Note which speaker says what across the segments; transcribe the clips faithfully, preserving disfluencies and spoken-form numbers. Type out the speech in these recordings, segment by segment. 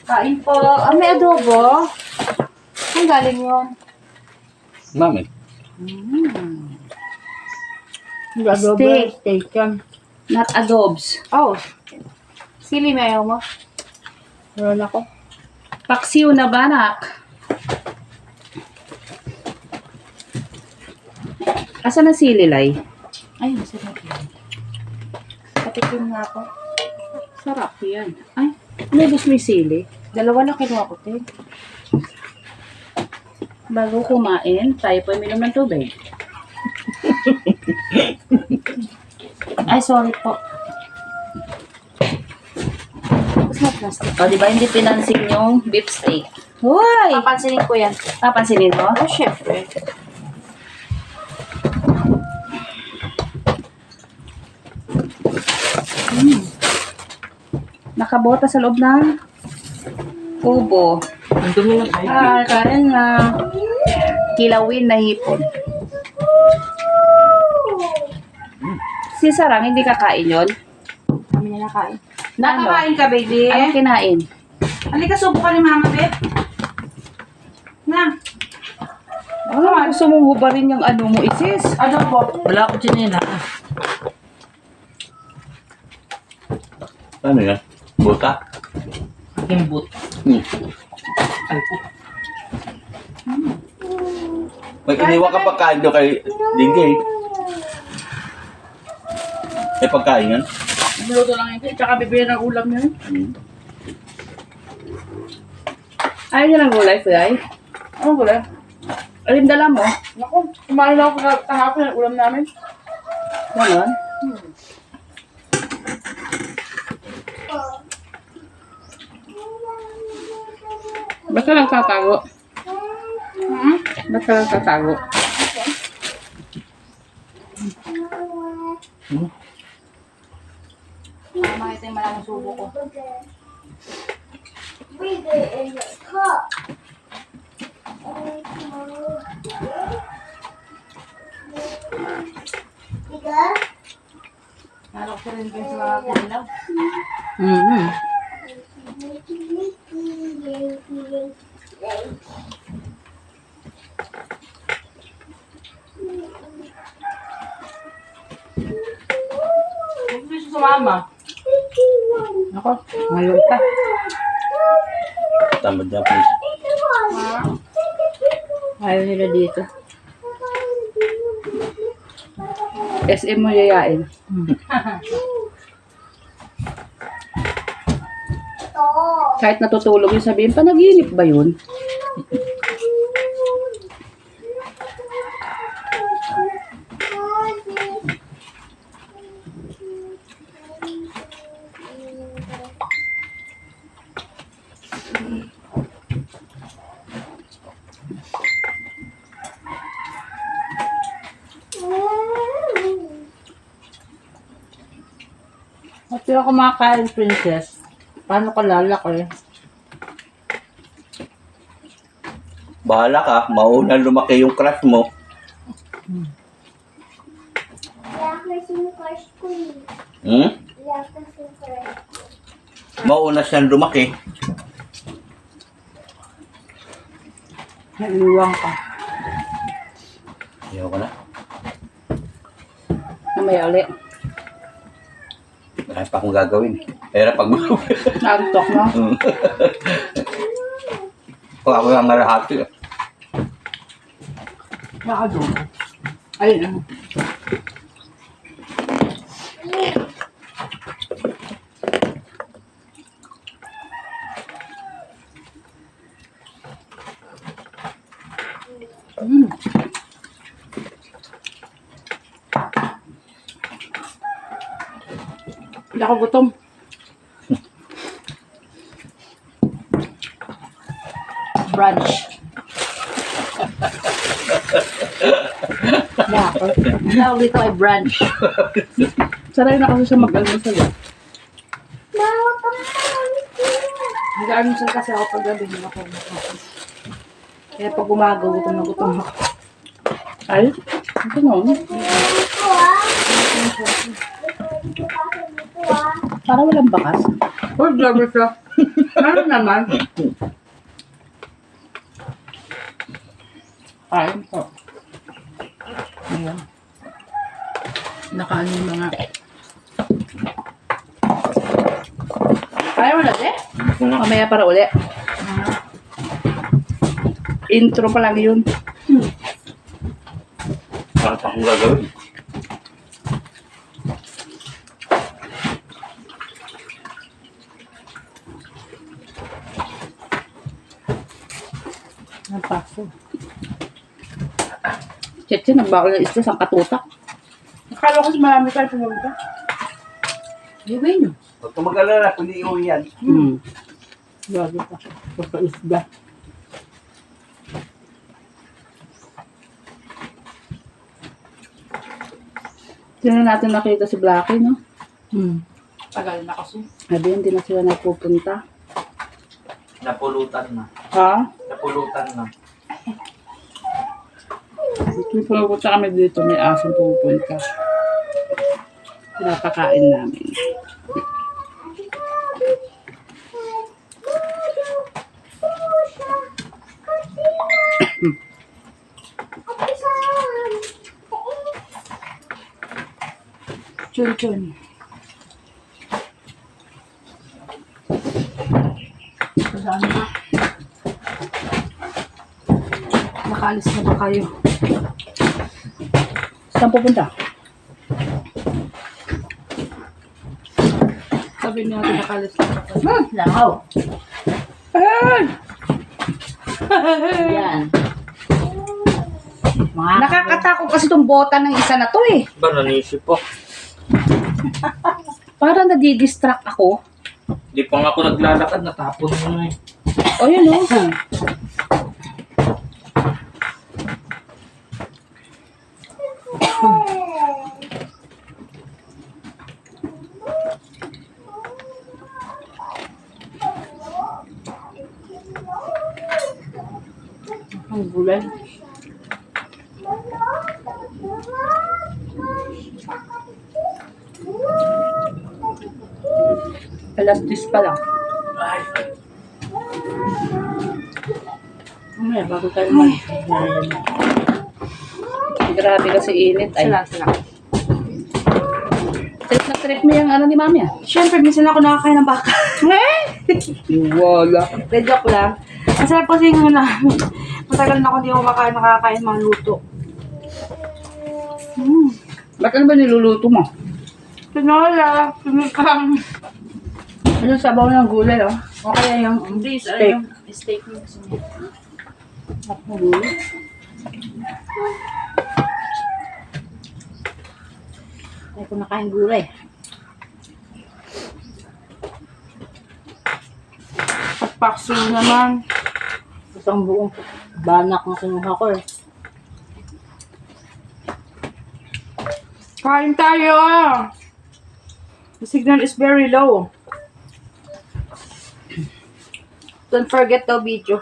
Speaker 1: Kain po. Ah, may adobo. Saan galing yun?
Speaker 2: Mami.
Speaker 1: Mm.
Speaker 3: Adobo,
Speaker 1: Steak.
Speaker 3: steak yan.
Speaker 1: Not adobes. Oh. Sili na ayaw mo?
Speaker 3: Meron ako.
Speaker 1: Paksiw na banak. Asa na sili, Lai? Ay, masarap yan. Patikim nga ako. Sarap yan. Ay, nabos mo yung sili. Dalawa na kinuha ko, te. Bago kumain, tayo po uminom ng tubig. Ay, sorry po. Tapos na plastic. O, di ba hindi pinansin yung beef steak? Hoy!
Speaker 3: Papansinin ko yan.
Speaker 1: Papansinin mo?
Speaker 3: Oh, syempre.
Speaker 1: Mm. Nakabota sa loob ng kubo.
Speaker 3: Ang dumi ng kain.
Speaker 1: Ah, kain na. Kilawin na hipon. Si Sarang, hindi kakain yun?
Speaker 3: Kami na nakain.
Speaker 1: Nakakain
Speaker 3: ka, baby?
Speaker 1: Anong kinain?
Speaker 3: Halika, subo ka ni mama, babe. Na.
Speaker 1: Ano, gusto mong hubarin yung ano mo, isis?
Speaker 3: Adobo. Wala ko chinila.
Speaker 2: Ano yan? Buta?
Speaker 3: Aking boot.
Speaker 2: Hmm.
Speaker 3: Ay po.
Speaker 2: May iniwan ka pagkain doon kay Dinggay. May pagkain yan?
Speaker 1: Niluto lang yun. Tsaka bibili ng ulam yun.
Speaker 2: Hmm.
Speaker 1: Ayaw niya ng gulay, Fulay? Ano gulay? Alin dala mo?
Speaker 3: Naku, kumain na ako kahapon ng ulam namin.
Speaker 1: Ganon? Basta lang tatago.
Speaker 3: Hmm?
Speaker 1: Basta lang tatago.
Speaker 2: Hmm.
Speaker 3: Tama, ito yung malamang subo ko. Nalok ko rin kayo sa kanilaw.
Speaker 1: Mm-hmm.
Speaker 3: Huwag mo siya sumama.
Speaker 1: Ako, ngayon pa.
Speaker 2: Tamad na please.
Speaker 1: Ayaw nila dito. S M mo yayain. Kahit natutulog yung sabihin, panaginip ba yun?
Speaker 3: At yung kumakain, princess, paano ka lalaki?
Speaker 2: Bahala ka, mauna lumaki yung crush mo. Hmm? Mauna siyang lumaki.
Speaker 1: Naiiwang ka.
Speaker 2: Ayaw ko na.
Speaker 1: Namaya ulit.
Speaker 2: Marami pa akong gagawin. Pero pag
Speaker 1: Naantok mo.
Speaker 2: pag ako yung marahati.
Speaker 1: Nakadong. Ayun ano. Mm. Hindi ako gutom. Brunch. Dapat. Tawag dito ay brunch. Saray na kasi siya mag-almusal. Mag-almusal kasi ako pag gabi nila ako. Kaya pag umagaw, gutom na gutom ako. Ay, ito nga. Para walang bakas.
Speaker 3: Oh, grabe siya.
Speaker 1: Ano naman? Kain po. Ayan. Nakaano yung mga... Kaya mo na, eh? Mamaya para uli. Intro pa lang yun.
Speaker 2: Bakit akong gagawin?
Speaker 1: Ang paso. Cheche, nagbakal na isda sa katutak. Akala ko si marami tayo pumunta. Iwin nyo.
Speaker 2: Huwag kang mag-alala, kundi iuwi yan.
Speaker 1: Hmm. Lagi pa. Basta isda. Sino natin nakita si Blackie, no? Hmm.
Speaker 3: Tagal na kasi.
Speaker 1: Sabi, hindi na sila napupunta.
Speaker 2: Napulutan na.
Speaker 1: Ha?
Speaker 2: Napulutan na.
Speaker 1: Kung pupunta kami dito, may asong pupunta. Pinapakain namin. Chun chun. Saan ba? Nakaalis na ba kayo? Saan pupunta? Sabi niyo natin nakaalis na ba kayo?
Speaker 3: Hmm, langaw.
Speaker 1: Ay!
Speaker 3: Yan. Mga
Speaker 1: Nakakatakot kasi itong bota ng isa na to eh.
Speaker 2: Ba, nanisip po.
Speaker 1: Parang nadidistract ako.
Speaker 2: Di pa nga ako naglalakad, natapon mo na eh.
Speaker 1: O yun o. Ang gulay. Alas dis pa lang.
Speaker 2: Ay,
Speaker 1: Mamaya, bago tayo mag... Grabe kasi init. Ay,
Speaker 3: Sala, sala.
Speaker 1: trip na trip mo yung ano ni mami ah.
Speaker 3: Siyempre, minsan ako nakakain ng baka.
Speaker 1: Wala.
Speaker 3: De joke lang. Masarap kasi yung na, matagal na ako hindi ako makain, nakakain mga luto. Hmm.
Speaker 1: Ba't ano ba niluluto mo?
Speaker 3: Tinola, pinikang.
Speaker 1: Ano sabaw ng gulay oh?
Speaker 3: O kaya yung, hindi, ano
Speaker 1: Steak.
Speaker 3: yung steak mo gusto mo.
Speaker 1: At ng gulay.
Speaker 3: Ay, kung nakain gulay. At pakso naman.
Speaker 1: Isang buong banak na kinuha ko eh.
Speaker 3: Kain tayo! The signal is very low. Don't forget the video.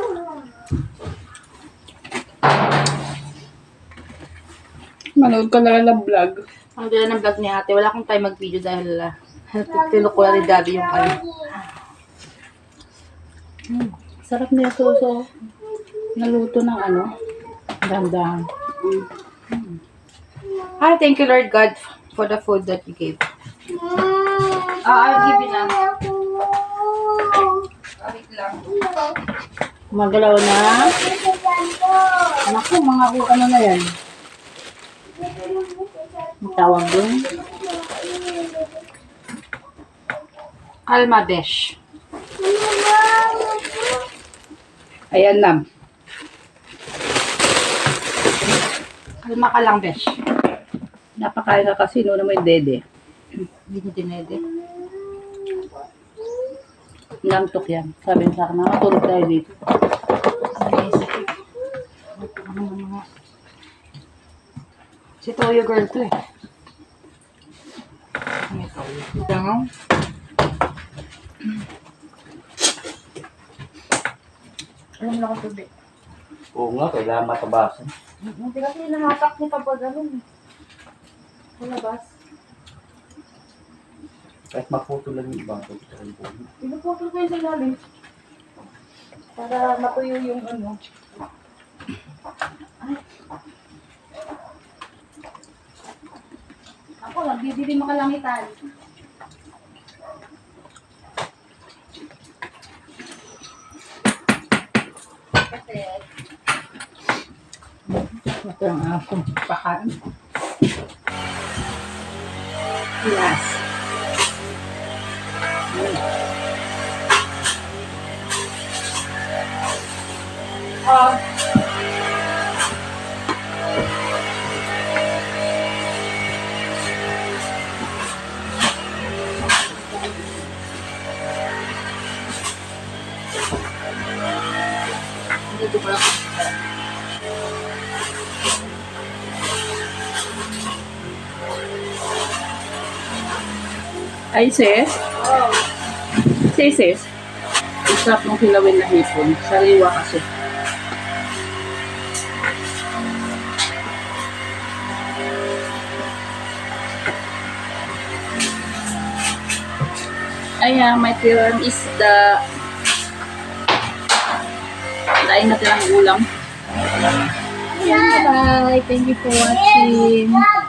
Speaker 1: Manood ka na lang ng vlog.
Speaker 3: Ang gila ng vlog ni ate, wala akong time mag-video dahil uh, tilok ko na ni Daddy yung ano.
Speaker 1: Hmm. Sarap na yung suso. Naluto ng ano. Dandahan.
Speaker 3: Hi, thank you Lord God for the food that you gave. Ah, I'll give you na. Ah, wait lang.
Speaker 1: Magalaw na. Naku, mga ku- ano na yan. Ang tawag dun.
Speaker 3: Alma Besh.
Speaker 1: Ayan na.
Speaker 3: Alma ka lang, Besh.
Speaker 1: Napakain ka kasi noon mo yung dede.
Speaker 3: Hindi ko dinede.
Speaker 1: Nantok yan. Sabi niya sa akin, makatulog tayo dito.
Speaker 3: Si Toyo girl to eh. May Toyo.
Speaker 1: Tangaw.
Speaker 3: Alam mo ako tubig.
Speaker 2: oo nga, kailangan matabasan.
Speaker 3: Hindi kasi nahatak niya kapag ganun. Sa labas.
Speaker 2: Kahit maputo lang yung iba, pwede ka rin po.
Speaker 1: Pinuputol ko yung sa ilalim. Para matuyo yung ano. Ay. Ako, nagbibili makalangitan. Kasi,
Speaker 3: Ito ang akong pakain.
Speaker 1: yes.
Speaker 3: Ah, dito ko lang.
Speaker 1: Ay, sis.
Speaker 3: Oh,
Speaker 1: Sis, sis. Ang sarap ng kilawin na hipon. Sariwa kasi. Ayan, my turn is the dahil na tirang ulam. Ayan, bye. Thank you for watching.